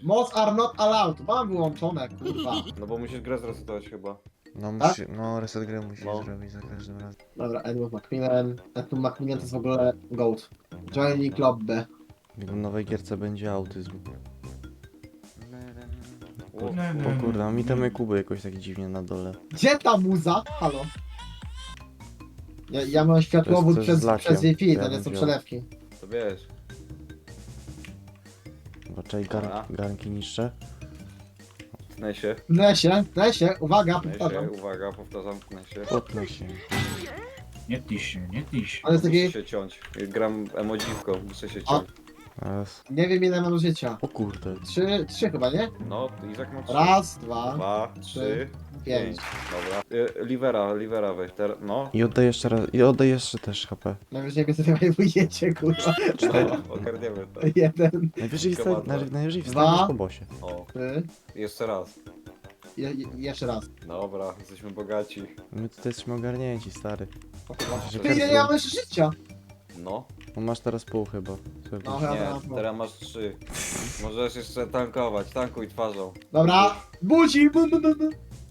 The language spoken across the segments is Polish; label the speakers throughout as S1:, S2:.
S1: Mods are not allowed. Mam wyłączone, kurwa.
S2: No bo musisz grę zresetować chyba.
S3: No
S1: Tak?
S3: musi, no reset gry musisz
S2: No.
S3: zrobić za każdym razem.
S1: Dobra, Edward Macmillan. Edward Macmillan to jest w ogóle GOAT. Joining Club B.
S3: W nowej gierce będzie autyzm.
S2: O,
S3: O kurde, a mi temy Kuby jakoś tak dziwnie na dole.
S1: Gdzie ta muza? Halo? Ja mam światłowód
S3: To jest
S1: przez
S3: z lakiem.
S1: Wi-Fi,
S3: Ja
S1: to nie
S3: bym
S1: są
S3: wziął.
S1: przelewki.
S2: to wiesz.
S3: Zobaczaj,
S2: Dobra.
S3: garnki niszcze.
S1: Nesie, uwaga,
S2: Tnę się,
S1: powtarzam.
S2: uwaga, powtarzam, tnę się.
S3: Potnę się.
S4: Nie tyś się, nie tyś się.
S1: On jest
S2: Muszę
S1: taki,
S2: się ciąć. Gram emodziwką, muszę się ciąć.
S3: Raz.
S1: nie wiem ile mam życia.
S3: O kurde.
S1: Trzy chyba, nie?
S2: No, Izak ma 3.
S1: Raz, dwa,
S2: 2, 3, 5.
S1: 5.
S2: Dobra. Livera weź, no.
S3: I oddaj jeszcze raz, i oddaj jeszcze też HP.
S1: Najwyżej mnie sobie wujecie, kurwa.
S2: No, ogarniemy to.
S1: Jeden,
S3: Najwyżej,
S2: Chyba
S3: najwyżej
S1: Dwa.
S3: wstaniesz po bosie.
S2: O,
S1: trzy,
S2: jeszcze raz.
S1: jeszcze raz.
S2: Dobra, jesteśmy bogaci.
S3: My tutaj jesteśmy ogarnięci, stary.
S1: O kurwa.
S3: Że
S1: Ty, ja nie mam jeszcze życia.
S2: No.
S3: No masz teraz pół chyba. Sobie
S1: No,
S3: pisz.
S1: chyba.
S2: Nie, teraz masz 3. Możesz jeszcze tankować, tankuj twarzą.
S1: Dobra, budzi, bum, bum, bum, bum.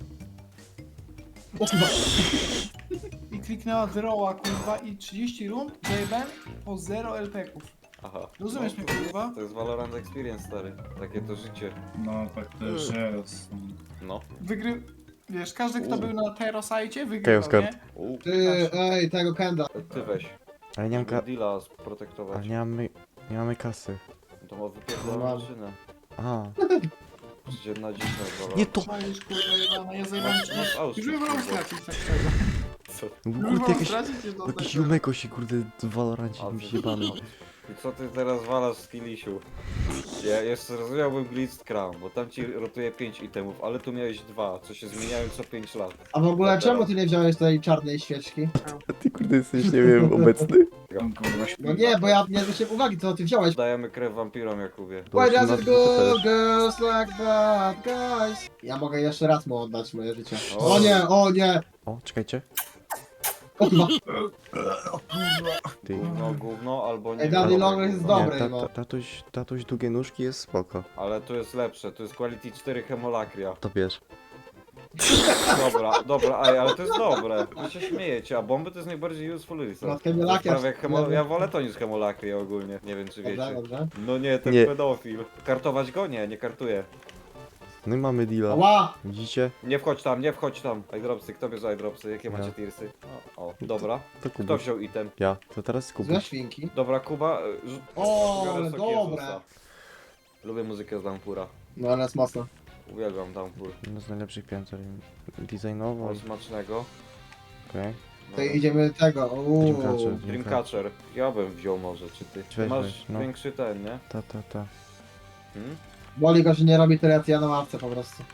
S1: O kurwa.
S5: I kliknęła zeroła, kurwa, i 30 rund zajebałem po 0 LP-ków.
S2: Aha.
S5: Rozumiesz mnie, kurwa?
S2: To jest Valorant Experience, stary. Takie to życie.
S4: No tak też jest.
S2: No.
S5: Wiesz, każdy kto był na Terrosajcie wygrywał,
S3: Chaos
S5: nie?
S1: Ty, ej, tego Kenda.
S2: Ty weź.
S3: Ale nie mam ka...
S2: Deala
S3: Ale
S2: sprotektować.
S3: nie mamy kasy.
S2: To ma wypierdolę
S1: Mam.
S2: maszynę.
S3: A.
S2: Przecież na dziś na
S3: Nie to!
S5: Czaisz, kurwa, jebana, ja zajebałem
S2: Masz Auschwitz,
S5: Już bym wolał
S2: kurwa.
S5: stracić tak szczerze.
S2: Co?
S3: No
S5: Już bym
S3: kurde,
S5: wolał
S3: jakieś...
S5: stracić niż dostać.
S3: Jakiś Jumeko się kurde w Valorancie
S2: A,
S3: mi
S2: ty-
S3: się bawił.
S2: I co ty teraz walasz z Kilisiu? Ja jeszcze rozumiałbym Blitzcrank, bo tam ci rotuje 5 itemów, ale tu miałeś 2, co się zmieniają co 5 lat.
S1: A w ogóle
S2: Dobra.
S1: czemu ty nie wziąłeś tej czarnej świeczki?
S3: Ty kurde jesteś, nie wiem, obecny?
S4: Tam kurwa
S1: No nie, bo ja nie zwróciłem uwagi, co ty wziąłeś.
S2: Dajemy krew wampirom, Jakubie.
S3: To
S1: Why
S3: już
S1: does
S3: na-
S1: it
S3: to
S1: go,
S3: też.
S1: girls like bad guys? Ja mogę jeszcze raz mu oddać moje życie.
S2: O.
S1: O nie, o nie!
S3: O, czekajcie.
S1: O chyba.
S3: Ty.
S2: Gówno albo nie.
S1: Ej, Daddy
S2: gówno,
S1: Long jest
S2: gówno.
S1: dobry.
S3: Nie,
S1: no.
S3: tatuś długie nóżki jest spoko.
S2: Ale tu jest lepsze, tu jest Quality 4 Hemolacria.
S3: To bierz.
S2: Dobra, ej, ale to jest dobre. Wy się śmiejecie, a bomby to jest najbardziej useful
S1: No,
S2: resource.
S1: Hemolacria-
S2: Prawie jak ja wolę to niż Hemolacria ogólnie. Nie wiem czy
S1: Dobrze,
S2: wiecie.
S1: dobrze.
S2: No nie, ten
S3: Nie.
S2: pedofil. Kartować go? Nie kartuję.
S3: No i mamy deala.
S1: Ła!
S3: Widzicie?
S2: Nie wchodź tam, nie wchodź tam. Eyedropsy, kto bierze eyedropsy? Jakie
S3: Ja.
S2: macie tirsy? O, dobra.
S3: To
S2: Kto
S3: Kubuś.
S2: wziął item?
S3: Ja. To teraz
S1: Złe
S3: Kubuś.
S1: świnki.
S2: Dobra, Kuba.
S1: O,
S2: biorę
S1: ale
S2: sok
S1: dobre.
S2: Jezusa. Lubię muzykę z Downpoura.
S1: No ale jest mocno.
S2: Uwielbiam Downpour.
S3: Jedno z najlepszych pięter. Designowo.
S2: O, smacznego.
S3: Okej.
S1: To idziemy tego.
S3: Dreamcatcher.
S2: Dreamcatcher. Ja bym wziął może, czy ty? Ty
S3: Weź,
S2: masz
S3: weź, no.
S2: większy ten, nie?
S3: Ta.
S2: Hmm?
S1: Boli go, że nie robi tyle, co ja na ławce po prostu.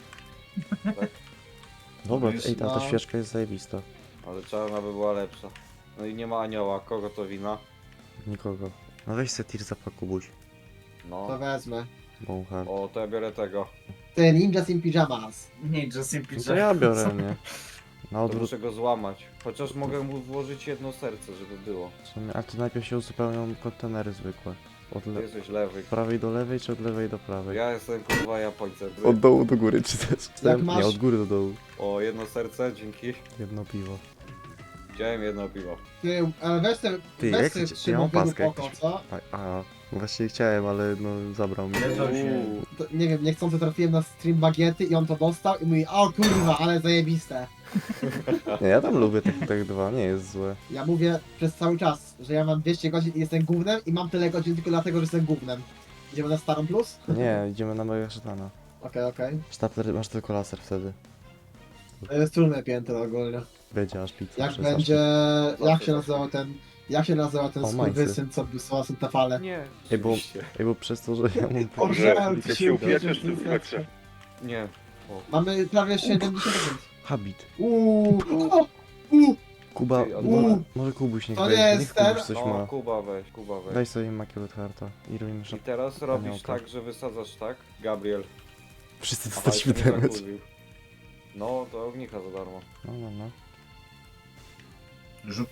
S3: Dobra,
S4: Jest,
S3: ej, ta
S1: no.
S3: świeczka jest zajebista.
S2: Ale czarna by była lepsza. No i nie ma anioła, kogo to wina?
S3: Nikogo. No weź se tir zapach Kubuś.
S1: To
S2: No.
S1: wezmę.
S3: Bąchar.
S2: O, to ja biorę tego.
S1: Ty, ninjas in pyjamas.
S4: Nie, Justin
S3: No to
S4: Pizza.
S3: ja biorę, nie? Na
S2: To
S3: odwrót.
S2: muszę go złamać. Chociaż mogę mu włożyć jedno serce, żeby było.
S3: w sumie- A to najpierw się uzupełnią kontenery zwykłe. Od
S2: Ty
S3: le...
S2: jesteś lewy.
S3: prawej do lewej, czy od lewej do prawej?
S2: Ja jestem kurwa Japońcem.
S3: Od dołu do góry, czy też?
S1: Jak masz-
S3: Nie, od góry do dołu.
S2: O, jedno serce, dzięki.
S3: Jedno piwo.
S2: Wziąłem jedno piwo.
S1: Ty, ale weź te,
S3: Ty,
S1: weź
S3: jak
S1: te
S3: chcecie-
S1: trzy
S3: ja mam
S1: według
S3: paskę
S1: oko,
S3: jakąś.
S1: co?
S3: Właśnie chciałem, ale no zabrał mi.
S4: Nie to się.
S2: Uuu.
S1: To, nie wiem, niechcący trafiłem na stream bagiety i on to dostał i mówi, o kurwa, ale zajebiste.
S3: Nie, ja tam lubię tak dwa, nie jest złe.
S1: Ja mówię przez cały czas, że ja mam 200 godzin i jestem gównem i mam tyle godzin tylko dlatego, że jestem gównem. Idziemy na starą plus?
S3: Nie, idziemy na mojego szatana.
S1: Okej.
S3: Stapler, masz tylko laser wtedy.
S1: To jest trudne piętro ogólnie.
S3: Będzie aż pizza.
S1: Jak
S3: przez
S1: będzie,
S2: aż-
S1: jak się nazywał ten,
S3: O,
S1: skurwysyn, co wysyła te fale?
S2: Nie.
S3: Ej, bo,
S2: oczywiście.
S3: ej, bo przez to, że ja mam...
S1: Orzeł,
S6: ty się upieczysz w tym spektrze.
S2: Nie.
S1: Mamy prawie 70%.
S3: Habit.
S1: Uuu,
S3: Kuba,
S2: Ty,
S3: może Kubuś niech
S1: To
S3: weźmie,
S1: nie jest
S3: niech Kubuś
S1: ten-
S3: coś
S2: No,
S3: ma.
S2: Kuba weź.
S3: Daj sobie Immaculate Hearta i robimy
S2: I
S3: szat.
S2: teraz robisz
S3: Aniołka.
S2: tak, że wysadzasz tak? Gabriel.
S3: Wszyscy
S2: Aha,
S3: dostaliśmy
S2: jeszcze mnie
S3: damage.
S2: zakurwił. No, to ognika za darmo.
S3: No.
S4: Rzut.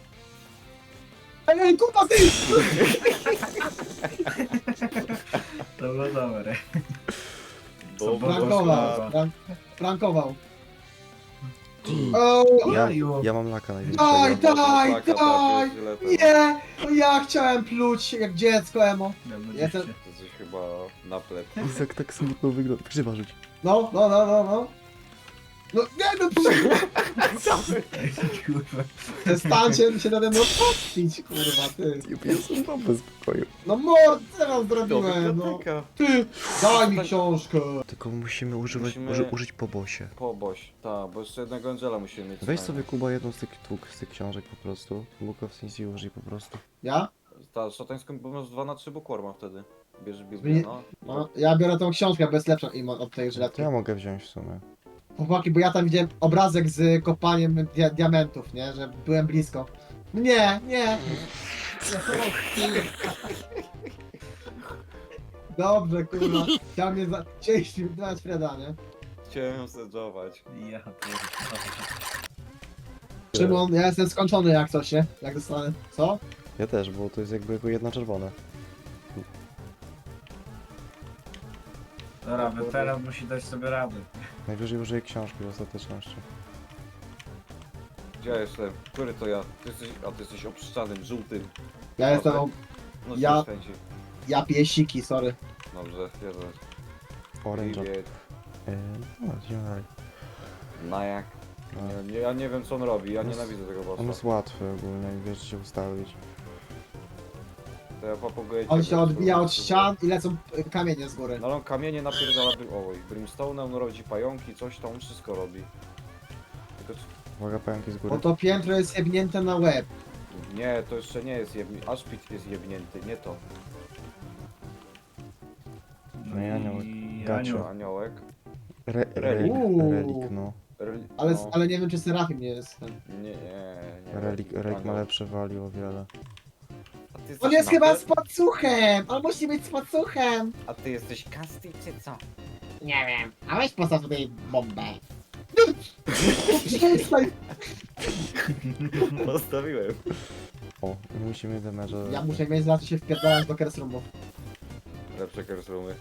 S1: Ej, kurwa, ty!
S4: To było dobre.
S2: Bo
S1: Prankował, prankował. O,
S3: Ja mam laka największego.
S1: daj, daj,
S2: Taka,
S1: daj!
S2: źle to.
S1: Nie! No ja chciałem pluć jak dziecko emo. Jestem-
S2: To coś chyba na plec.
S3: Izak tak smutno wygląda. Grzyba rzuć.
S1: No. No nie no
S4: Kurwa.
S1: przestańcie się nade mną patrzeć, kurwa ty.
S3: Ja jestem tam bez spokoju.
S1: No mord, co wam
S2: To
S1: zrobiłem, no.
S2: biblioteka.
S1: Ty, daj mi książkę.
S3: Tylko musimy używać,
S2: Musimy-
S3: użyć po bosie.
S2: Poboś. Tak, bo jeszcze jednego Angela musimy mieć.
S3: Weź
S2: co
S3: sobie Kuba jedną z tych książek po prostu. Bukowski użyj po prostu.
S1: Ja?
S2: Ta szatańską, bo masz 2 na 3 bukworma wtedy. Bierzesz
S1: Zmieni-
S2: Biblię, no.
S1: No, ja biorę tą książkę, bo jest lepsza im od tej
S3: To
S1: żyletki.
S3: ja mogę wziąć w sumie.
S1: Chłopaki, bo ja tam widziałem obrazek z kopaniem diamentów, nie? Że byłem blisko. Nie. Dobrze, kurwa. Chciał mnie dać Freda, nie?
S2: Chciałem sedżować.
S4: Ja pierdolę.
S1: Szymon, ja jestem skończony jak coś, nie? Jak dostanę. Co?
S3: Ja też, bo to jest jakby jako jedna czerwona.
S4: Dobra, weteran musi dać sobie radę.
S3: Najwyżej użyję książki w ostateczności.
S2: Gdzie ja jestem? Który to ja? Ty jesteś obszczanym, żółtym.
S1: Ja jestem.
S2: No
S1: Ja-
S2: ja... chęci.
S1: Ja piję siki, sorry.
S2: Dobrze, jeden.
S3: Orange. No, idziemy dalej.
S2: Na jak?
S3: No.
S2: Ja nie wiem co on robi, ja
S3: On jest-
S2: nienawidzę tego
S3: On
S2: bossa.
S3: jest łatwy ogólnie i wiesz się ustawić.
S2: To ja papuguję
S1: On
S2: cię,
S1: się
S2: bo-
S1: odbija od ścian i lecą kamienie z góry.
S2: No ale on kamienie napierdala, oj, brimstone, on rodzi pająki, coś tam, on wszystko robi. Tylko,
S3: Uwaga, pająki z
S1: Bo
S3: góry.
S1: to piętro jest jebnięte na łeb.
S2: nie, to jeszcze nie jest jebnięty, Ashpit jest jebnięty, nie to.
S3: No i aniołek.
S4: i
S3: Gacio.
S4: anioł.
S2: Aniołek.
S3: Relik,
S1: Uuu.
S3: relik, no.
S1: Ale,
S2: no,
S1: ale nie wiem, czy Serafim nie jest ten.
S2: nie.
S3: Relik ma
S2: Anioł.
S3: lepsze value o wiele.
S2: A ty
S1: On
S2: jesteś
S1: jest chyba
S2: mapę?
S1: z pacuchem! On musi być z pacuchem!
S2: A ty jesteś Kasti czy co?
S1: Nie wiem. A weź postaw tutaj bombę. Przestań!
S2: Postawiłem.
S3: O, i musimy demerze.
S1: Ja muszę mieć za to się wpierdalać do Kersroomu.
S2: Lepsze kersumy.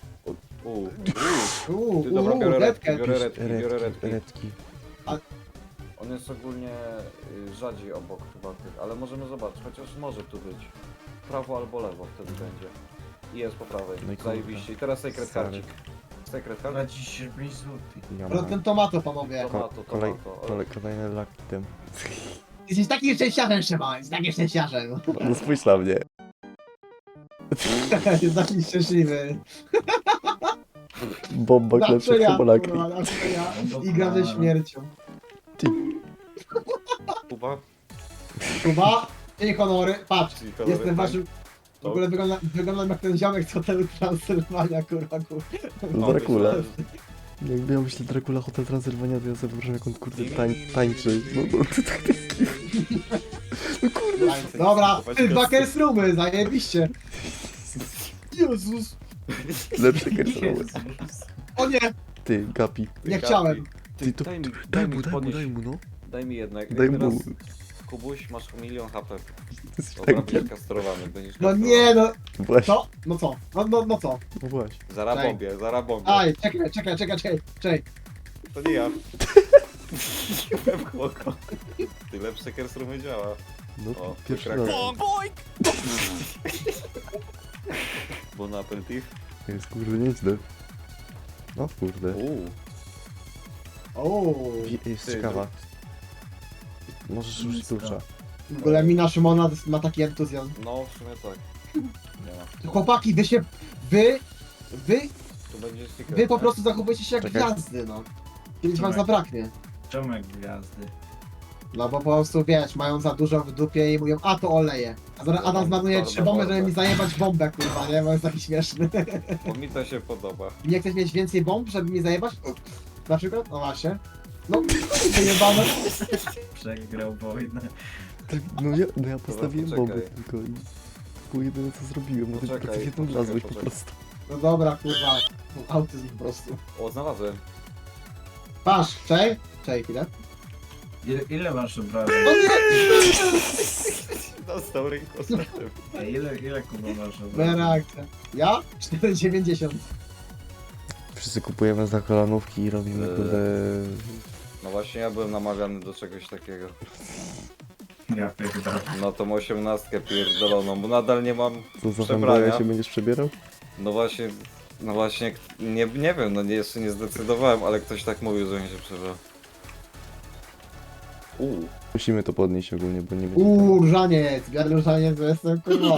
S2: Ty
S1: Uuu,
S2: dobra, biorę redki,
S1: redkę.
S2: biorę redki, biorę
S3: Redki,
S2: redki.
S3: redki.
S2: On jest ogólnie rzadziej obok chyba tych, ale możemy zobaczyć, chociaż może tu być. Prawo albo lewo wtedy będzie. I jest po prawej.
S3: No i kurde.
S2: Zajebiście. I teraz secret
S3: Stary.
S2: cardzik. Secret card?
S4: Traci się 5 złotych.
S3: Ja
S1: Ale
S3: mam.
S1: ten tomato, panowie.
S3: Kolejny lucky tym.
S1: Jesteś takim szczęściarzem, Szymon. Jesteś takim szczęściarzem.
S3: No spójrz na mnie.
S1: Jest taki szczęśliwy.
S3: Bomba
S1: Zawsze
S3: lepsza
S1: ja,
S3: od Polaki.
S1: kurwa, zawsze ja. I gram ze śmiercią.
S2: Kuba?
S1: Kuba, i honory. Patrz,
S2: Czyli kolory,
S1: jestem
S2: tak?
S1: waszym... W ogóle wyglądam jak ten ziomek z hotelu Transylwania, kurwa.
S3: No, Dracula.
S2: myślałem,
S3: Jakby ja myślę Dracula Hotel Transylwania, to ja sobie wyobrażam jak on kurde tańczy. No to tak taki... No kurde.
S1: Dobra, ty, dwa Kersroomy, zajebiście. Jezus.
S3: Lepsze kersowe.
S1: O nie,
S3: Ty, Gapi.
S1: nie chciałem.
S3: Ty, to daj mu, no.
S2: Daj mi jednak.
S3: Daj
S2: Teraz,
S3: mu.
S2: Kubuś, masz 1 milion HP.
S3: Jesteś
S2: Dobra,
S3: tankiem.
S2: będziesz kastrowany, będziesz
S1: No
S2: kastrowany.
S1: nie, no.
S3: Właśnie,
S1: Co? No co? No co?
S3: no właśnie.
S2: Zarabombię, zarabombię.
S1: Aj, czekaj.
S2: To nie ja. Byłem chłoko. Ty lepsze kerstrumy działa.
S3: No
S2: O,
S3: pierwszy
S2: wykrakał.
S3: raz.
S2: Bon aperitif.
S3: Jest kurde nieźle. No kurde.
S1: Ooo.
S3: Jest
S2: Ty,
S3: ciekawa. Możesz użyć klucza.
S1: W ogóle mina Szymona ma taki entuzjazm.
S2: No, w sumie tak. Nie ma.
S1: Chłopaki, wy
S2: Tu będzie secret.
S1: Wy po
S2: nie?
S1: prostu zachowujecie się jak
S3: Czekaj.
S1: gwiazdy, no. Kiedyś wam
S4: Tak.
S1: zabraknie.
S4: Czomek gwiazdy.
S1: No bo po prostu wiesz, mają za dużo w dupie i mówią, a to oleje. A zaraz
S2: Ja
S1: Adam
S2: mam
S1: zmarnuje
S2: czarne
S1: 3 bomby, żeby
S2: bomby.
S1: mi zajebać bombę, kurwa, nie? Bo jest taki śmieszny.
S2: Bo mi to się podoba.
S1: Nie chcesz mieć więcej bomb, żeby mi zajebać? Na przykład? No właśnie. No, wyjebane.
S4: Przegrał wojnę.
S3: No ja postawiłem
S2: poczekaj.
S3: bomby tylko i... Było jedyne co zrobiłem, no tylko
S2: Poczekaj,
S3: ty jedną
S2: poczekaj,
S3: wlazłeś po
S2: poczekaj.
S3: prostu.
S1: No dobra, kurwa. Autyzm po prostu.
S2: O, znalazłem.
S1: Patrz, czej chwilę.
S4: Ile masz obrażeń?
S1: No nie!
S2: Dostał rękostrzem.
S4: Ile Kuba masz obrażeń?
S1: Berakcja. Ja? 4,90.
S3: Wszyscy kupujemy za kolanówki i robimy kurde...
S2: No właśnie ja byłem namawiany do czegoś takiego.
S4: Ja pierdolę.
S2: No tą 18 pierdoloną, bo nadal nie mam
S3: Co za
S2: przebrania.
S3: fanboya się będziesz przebierał?
S2: No właśnie, nie wiem, no jeszcze nie zdecydowałem, ale ktoś tak mówił, że mi się przebrał.
S3: Musimy to podnieść ogólnie, bo nie będzie...
S1: Różaniec, biorę różaniec, bo jestem kurwa.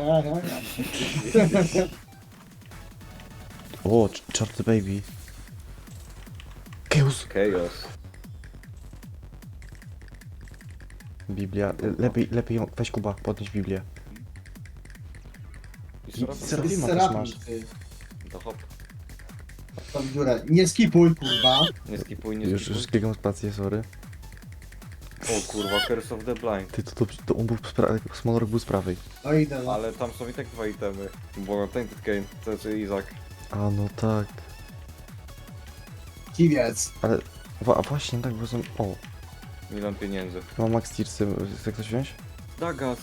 S3: O, Charter Baby. Chaos.
S2: Chaos.
S3: Biblia. Lepiej ją... Weź Kuba, podnieś Biblię.
S2: I Serafim.
S3: Serafima też
S1: Serafim,
S3: masz.
S1: ty.
S2: To hop.
S1: Tam w dziurę. Nie skipuj, kurwa.
S2: Nie skipuj, nie
S3: Już
S2: skipuj.
S3: klikam spację, sorry.
S2: O kurwa, Curse of the Blind.
S3: Ty, to on był z prawej, Smolorek był z prawej.
S1: No idę, no.
S2: Ale tam są i tak dwa itemy. Bo Tainted Kane, to znaczy Izak.
S3: A no tak.
S1: Kiwiec.
S3: Ale... Właśnie, tak, bo są... O,
S2: Milion pieniędzy.
S3: mam Max Tearsy, chce ktoś wziąć?
S2: Dagas.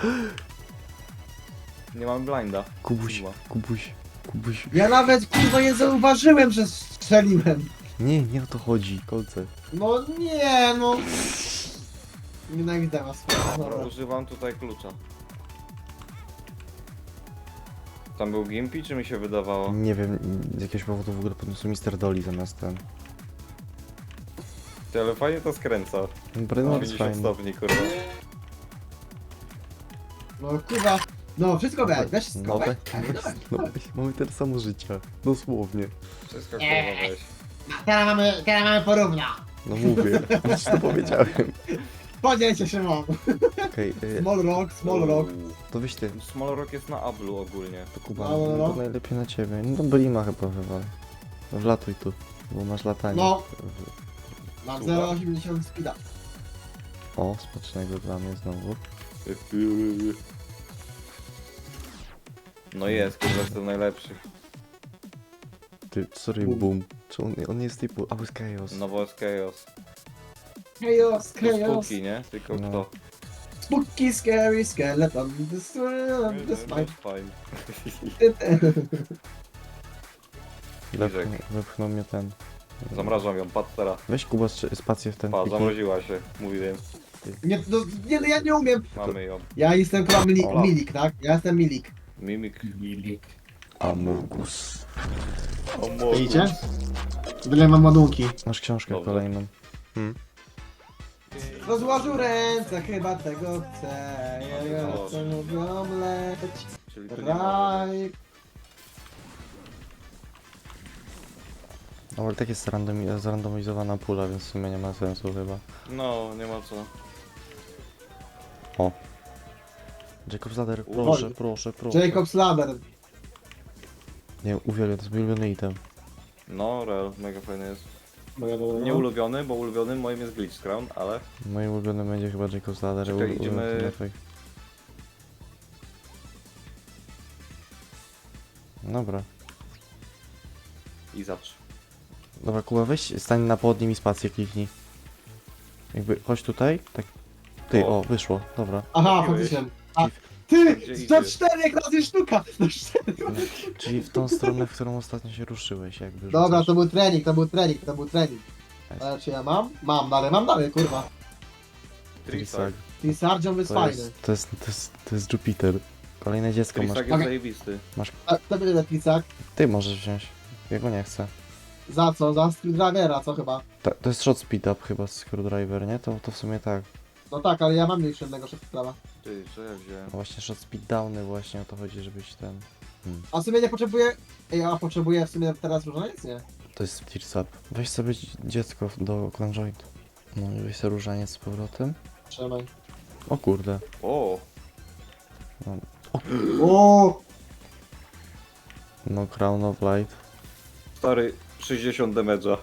S2: Nie mam blinda.
S3: Kubuś,
S2: Kurwa.
S3: Kubuś.
S1: Ja nawet kurwa nie zauważyłem, że strzeliłem.
S3: Nie o to chodzi, kolce.
S1: No nie, no. Nienawidzę was.
S2: Dobra,
S1: Dobra.
S2: używam tutaj klucza. Tam był Gimpy, czy mi się wydawało?
S3: Nie wiem, z jakiegoś powodu w ogóle podniosł Mr. Dolly zamiast ten.
S2: Ty, ale fajnie to skręca.
S3: Brainwatch jest
S2: 50
S3: fajny.
S2: stopni, kurwa.
S1: No kurwa. No wszystko weź wszystko,
S3: No
S1: weź.
S3: No, mamy tyle samo życia. Dosłownie.
S2: Wszystko kurwa weź.
S1: Teraz mamy porównia.
S3: No mówię, już to powiedziałem.
S1: Podzielcie się mam.
S3: Okej,
S1: Small rock.
S3: to weź ty.
S2: Small Rock jest na Ablu ogólnie.
S3: To Kuba,
S1: No.
S3: to najlepiej na ciebie. No Blima chyba wywal. Wlatuj tu, bo masz latanie.
S1: No. Mam
S2: Super.
S1: 0,80 speeda.
S3: O, smacznego dla mnie znowu.
S2: No jest, kurwa, jestem najlepszy.
S3: Ty, sorry,
S1: Boom.
S3: boom. Czy on jest typu, a jest chaos.
S2: Nowo jest Chaos.
S1: Chaos,
S2: To
S1: chaos.
S2: spółki, nie? Tylko
S3: No.
S2: kto?
S1: Spooky, scary skeleton. This
S2: To jest fajne.
S3: Wepchnął mnie ten.
S2: Zamrażam ją, patrz teraz.
S3: Weź Kuba spację w ten
S2: Pa,
S3: kliknij.
S2: zamroziła się, mówiłem.
S1: Nie, no, nie, ja nie umiem.
S2: Mamy ją.
S1: Ja jestem chyba
S2: Ola.
S1: milik, tak? Ja jestem milik.
S2: Mimik.
S4: Milik.
S3: Amogus.
S1: Widzicie? Tyle mam ładunki.
S3: Masz książkę
S2: Dobrze.
S3: kolejną.
S1: Rozłożył ręce, chyba tego chcę. Ja chcę mówią leć.
S2: Czyli tu nie ma.
S1: Raj.
S3: No ale tak jest zrandomizowana pula, więc w sumie nie ma sensu chyba.
S2: No, nie ma co.
S3: O. Jacob's Ladder, proszę.
S1: Jacob's Ladder.
S3: Nie, uwielbiam, to jest mój ulubiony item.
S2: No, real, mega fajny jest. Nie ulubiony, bo ulubionym moim jest Glitch Crown, ale...
S3: Moim ulubionym będzie chyba Jacob's Ladder.
S2: Czekaj, idziemy-
S3: Dobra.
S2: I zacz.
S3: Dobra, Kuba, weź stań na podnim i spację kliknij. Jakby, chodź tutaj, tak. Ty,
S2: O.
S3: o, wyszło, dobra.
S1: Aha,
S2: Mówiłeś.
S1: faktycznie. A,
S2: Gdzie
S1: ty! To
S2: idziesz?
S1: 4 razy sztuka! To 4.
S3: Czyli w tą stronę, w którą ostatnio się ruszyłeś, jakby.
S1: Dobra,
S3: rzucasz.
S1: to był trening. Ale czy ja mam? Mam dalej, kurwa.
S3: Trisag.
S1: Ty Sargeon jest
S3: To
S1: fajny.
S3: jest, to jest Jupiter. Kolejne dziecko masz.
S2: Trisag jest zajebisty.
S1: A kto będzie Trisag?
S3: Ty możesz wziąć. Ja go nie chcę.
S1: Za co? Za Screwdrivera, co chyba?
S3: To jest shot speed up chyba, Screwdriver, nie? To w sumie tak.
S1: No tak, ale ja mam jeszcze jednego Screwdrivera.
S2: Ty, co ja wziąłem?
S3: No właśnie shot speed downy właśnie o to chodzi, żebyś ten...
S1: A w sumie nie potrzebuję... Ej, a potrzebuję w sumie teraz różaniec? Nie.
S3: To jest tears up. Weź sobie dziecko do clan joint. No i weź sobie różaniec z powrotem.
S1: Trzymaj.
S3: O kurde.
S2: O!
S1: O!
S3: No crown of light.
S2: Stary, 60 damage'a.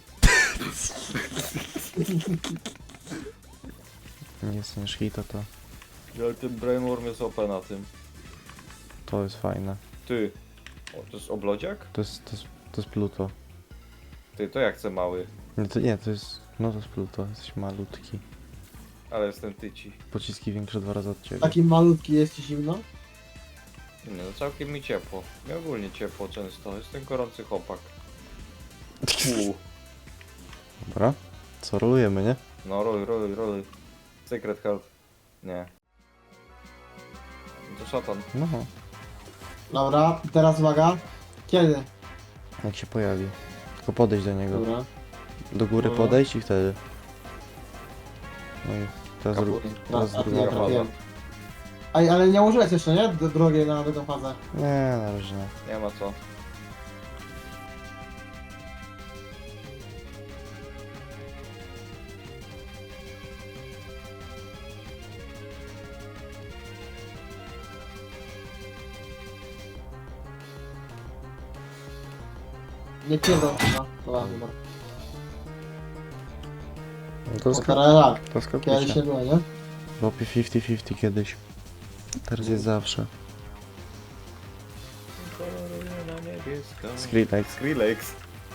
S3: Nie staniesz hita to.
S2: Ale ten Brainworm jest OP na tym.
S3: To jest fajne.
S2: Ty. O, to jest oblodziak?
S3: To jest Pluto.
S2: Ty, to ja chcę mały.
S3: Nie, to jest No to spluto, jesteś malutki.
S2: Ale jestem tyci.
S3: Pociski większe 2 razy od ciebie.
S1: Taki malutki jest ci zimno?
S2: Nie, no całkiem mi ciepło. Mi ogólnie ciepło często. Jestem gorący chłopak.
S3: Dobra. Co, rolujemy, nie?
S2: No roluj. Secret Health. Nie. To szatan.
S3: No,
S1: Dobra, i teraz uwaga. Kiedy?
S3: jak się pojawi. Tylko podejść do niego.
S1: Dobra.
S3: Do góry
S1: No.
S3: podejść i wtedy. No i teraz
S2: Kaput.
S3: teraz
S1: A,
S3: druga
S1: ja
S2: faza.
S1: trafiłem. Ej, ale nie użyłeś jeszcze, nie? Drugiej na drugą fazę.
S3: Nie, na razie nie.
S2: Nie ma co.
S1: Nie pierdol chyba. Dobra, dobra.
S3: No to
S1: No teraz tak.
S3: to
S1: Kiedyś nie
S3: skakujcie.
S1: było, nie?
S3: Łopie 50-50 kiedyś. Teraz jest zawsze.
S2: Koloruje na niebiesko.
S3: Skrillex.
S2: Skrillex.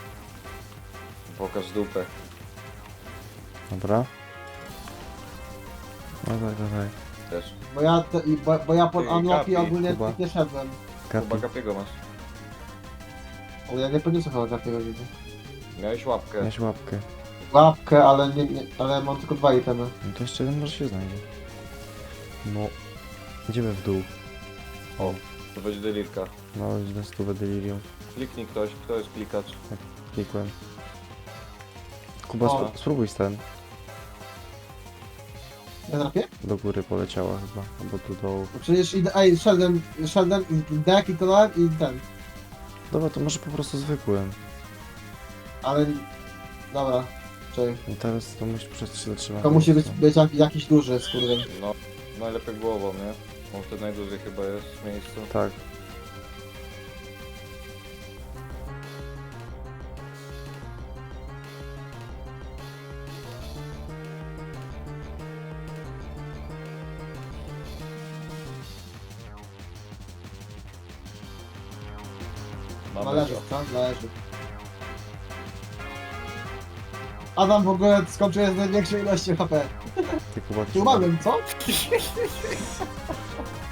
S2: Pokaż dupę.
S3: Dobra. No tak.
S2: Też.
S1: Bo ja pod
S2: Ty,
S1: unlocki
S2: Gapi,
S1: ogólnie
S3: Kuba.
S1: nie szedłem.
S3: Kapi.
S2: Chyba Gapiego masz.
S1: Ale ja nie podniosę chyba takiego widzę.
S2: Miałeś łapkę.
S3: Weź łapkę.
S1: Łapkę, ale ale mam tylko 2 itemy.
S3: No to jeszcze jeden może się znajdzie. No. Idziemy w dół.
S2: O, to będzie delirka.
S3: No, już na stówę delirium.
S2: Kliknij ktoś, kto jest klikacz.
S3: Klikłem. Kuba,
S1: O.
S3: spróbuj ten.
S1: Ja trafię?
S3: Do góry poleciała chyba. Albo tu dołu.
S1: No przecież idę, szedłem i deck i kolor i ten.
S3: Dobra, to może po prostu zwykłym.
S1: Ale... Dobra. Czyli
S3: I teraz to musisz przez 3 zatrzymać.
S1: to musi być jakiś duży skurwyn.
S2: No, najlepiej głową, nie? On wtedy najdłużej chyba jest w miejscu.
S3: Tak.
S1: Należy, co? Należy. Adam w ogóle skończył z największej ilości HP.
S3: Ty Kuba,
S1: Tu umarłem, co?